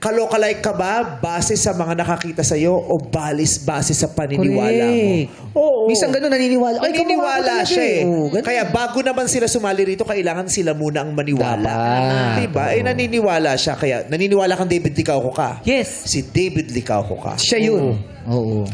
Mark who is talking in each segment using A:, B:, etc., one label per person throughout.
A: kalokalike ka ba base sa mga nakakita sa'yo o base sa paniniwala mo? Oo.
B: Minsan gano'n naniniwala. Ay,
A: Naniniwala siya eh.
B: Oo, ganun.
A: Kaya bago naman sila sumali rito, kailangan sila muna ang maniwala.
B: Tama.
A: Diba? Eh, naniniwala siya. Kaya naniniwala kang David Licauco ka.
C: Yes.
A: Si David Licauco ka.
B: Siya yun. Oo.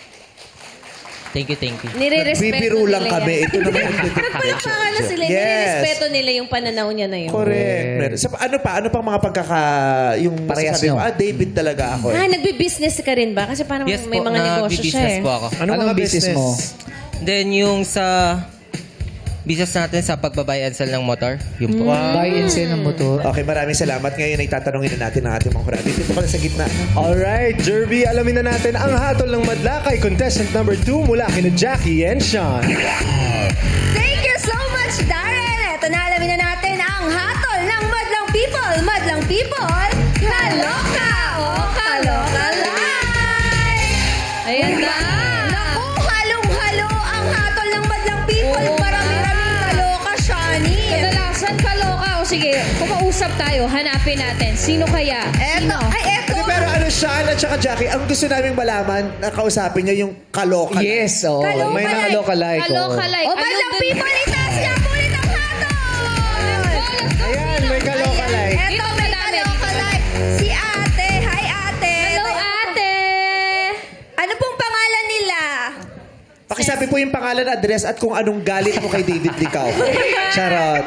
C: Thank you, thank you.
D: Nire-respeto
A: Bibiro lang
D: nila
A: kami.
D: yan.
A: Ito naman yung
D: Nagpalakpakan na sila.
A: Yes.
D: Nire-respeto nila yung pananaw niya na yun.
A: Correct. Ano pang mga yung
B: Parehas
A: masasabi mo,
B: nyo.
A: David talaga ako.
D: Ah, nagbi-business ka rin ba? Kasi parang
C: Yes
D: may
C: po,
D: mga negosyo siya
C: nag-business
D: eh.
C: po ako.
B: Anong
A: mga
B: business mo?
C: Then yung sa business natin sa pagbabay and sell ng motor. Yung po.
B: Buy and sell ng motor.
A: Okay, maraming salamat. Ngayon ay tatanungin na natin ang ating mga kurado. Dito ka na sa gitna.
E: Alright, Jerby, alamin na natin ang hatol ng madla kay contestant number 2 mula kina Jackie and Sean.
F: Thank you so much, Darren! Ito na, alamin na natin ang hatol ng Madlang People. Madlang People, kaloka o kaloka live!
D: Ayan na.
F: Naku, halong-halo ang hatol ng Madlang People. Marami-raming kaloka, Shani.
D: Kadalasan kaloka. O sige, kumausap tayo. Hanapin natin. Sino kaya?
F: Eto, ay eto.
A: Hindi, pero Sean at saka Jackie, ang gusto naming malaman, kausapin niyo yung kaloka.
B: Yes, oo.
F: Kaloka
B: May
F: like.
B: nakaloka like.
D: Kaloka like.
F: O Madlang People, itaas niya po ulit ang hatol!
E: Ayan, may kaloka like.
F: Eto,
D: Dito
F: may
D: madami.
F: kaloka like. Si ate. Hi, ate.
D: Hello, ate.
F: Ano pong pangalan nila?
A: Pakisabi po yung pangalan, address at kung anong galit mo kay David Licauco. Charot.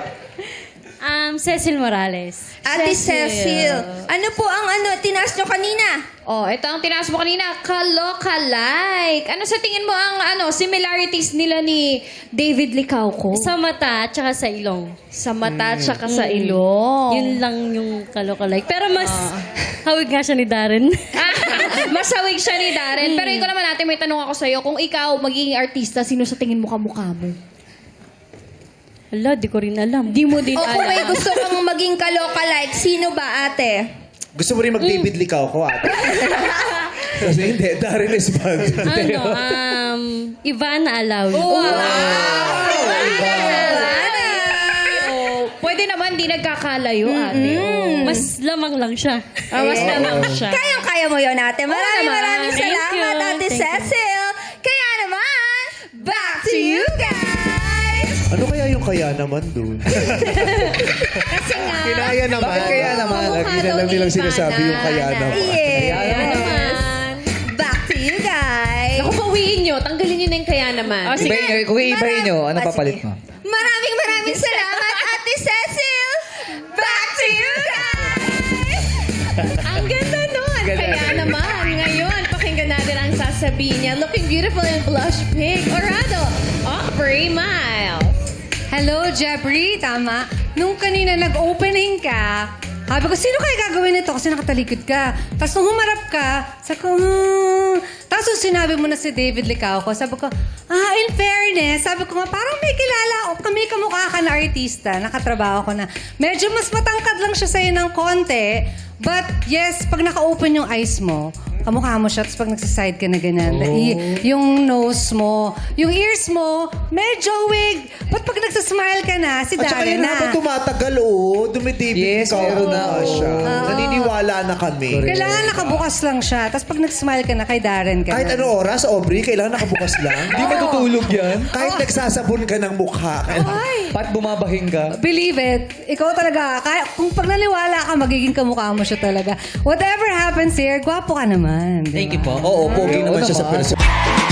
G: Cecil Morales.
F: Ate Cecil. Ano po ang tinaas nyo kanina?
D: Oh, ito ang tinaas mo kanina. Kaloka-like. Ano sa tingin mo ang similarities nila ni David Licauco?
G: Sa mata at saka sa ilong.
D: Sa mata at saka sa ilong.
G: Yun lang yung kaloka-like. Pero mas hawig nga siya ni Darren.
D: Masawig siya ni Darren. Pero ikaw naman natin, may tanong ako sa'yo. Kung ikaw magiging artista, sino sa tingin mo kamukha mo?
G: Hala, di ko rin alam.
D: Di mo din
F: O kung may
D: alam.
F: gusto kang maging kaloka-like, sino ba ate?
A: Gusto mo rin mag-David Licauco, ate? Kasi hindi, Darren is bad.
G: Ivana Alawi.
D: Wow!
F: Ivana!
D: Oh, pwede naman di nagkakalayo, ate. Oh.
G: Mas lamang lang siya.
D: Mas naman siya.
F: Kayang-kaya mo yun ate. Maraming
G: Thank
F: salamat
G: you.
F: ate
G: Thank you.
F: Cecil. Kaya naman, back to you guys!
A: Ano kaya yung kaya naman doon?
F: Kasi nga,
E: Kinaya naman.
B: Bakit kaya naman?
A: Lagi na lang nilang sinasabi yung kaya naman.
F: yes. Back to you guys.
D: Naku, pawiin nyo. Tanggalin nyo na yung kaya naman.
G: Oh, sige.
B: Ibahin nyo, kung iibahin nyo, ano
F: Ah,
B: papalit
F: sige.
B: mo?
F: Maraming salamat ate Cecil. Back to you guys.
D: Ang ganda nun. Kaya naman, ngayon, pakinggan natin ang sasabihin niya. Looking beautiful in blush pink. Orado, Aubrey Miles.
H: Hello, Jeffrey. Tama. Nung kanina nag-opening ka, sabi ko, sino kaya gagawin nito? Kasi nakatalikod ka. Tapos nung humarap ka, sabi ko, Tapos nung sinabi mo na si David Licauco, sabi ko, in fairness, sabi ko nga, parang may kilala ako. Kami kamukha ka na artista, nakatrabaho ko na. Medyo mas matangkad lang siya sa'yo ng konti. But yes, pag naka-open yung eyes mo, kamukha mo siya. Tapos pag nagsaside ka na ganyan, yung nose mo, yung ears mo, medyo wig. But pag nagsasmile ka na, si
A: At saka
H: Darren
A: yun
H: na.
A: habang tumatagal, Dumi-David
B: Yes,
A: Licauco
B: meron na,
A: na siya. Naniniwala na kami.
H: Kailangan nakabukas lang siya. Tapos pag nag-smile ka na, kay Darren ka
A: Kahit
H: na.
A: ano oras, Aubrey, kailangan nakabukas lang.
B: Di matutulog yan.
A: Kahit nagsasabon ka ng mukha.
B: Pat bumabahing ka.
H: Believe it. Ikaw talaga. Kung pag naniwala ka, magiging kamukha mo siya talaga. Whatever happens here, gwapo ka naman.
C: Thank you po.
A: Oo, pogi
B: Oo
A: naman siya sa
B: naman.
A: person.